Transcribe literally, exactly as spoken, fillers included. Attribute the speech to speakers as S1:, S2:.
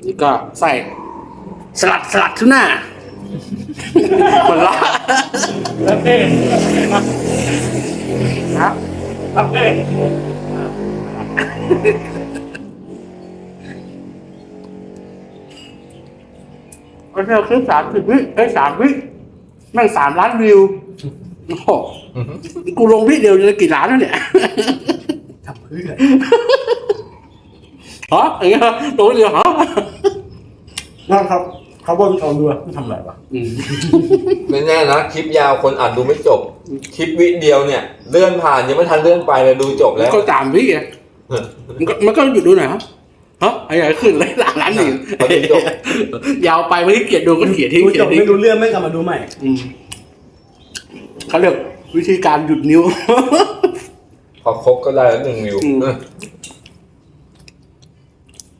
S1: นี่ก็ใส่สลัดสลัดทูน่าคนละ
S2: แล้วเต้
S1: ครับ
S2: แล้วเต้
S1: ก็เที่ยวคลิปสามสิบวิเอ้ยสามวิแม่งสามล้านวิวโอ้โหกูลงวิเดียวจะกี่ล้านแล้วเนี่ย
S2: ทำเพื่อ
S1: ฮะอย่างเงี้ยลงวิเดียวฮะ
S2: นั่นครับเขาบอกเอาดูทำอะไรวะ
S1: อืม
S3: ไม่แน่นะคลิปยาวคนอ่านดูไม่จบ คลิปวิเดียวเนี่ยเลื่อนผ่านยังไม่ทันเลื่อนไปเลยดูจบแล้ว
S1: ก็สามวิไงมันก็มันก็หยุดดูหน่อยฮะฮะอะไรขึ้นเลยหลานล้านหนึ่งยาวไปไม่ได้เกียดดูก็เขียนทิ้ง
S2: ดู
S1: เขี
S2: จ
S1: ย
S2: บ
S1: นทิ้ง
S2: ไม่รู้เรื่องไม่กลับมาดูใหม่
S1: อืมเขาเรียกวิธีการหยุดนิ้ว
S3: พอครบก็ได้แล้วหนึ่งวิว
S1: อืม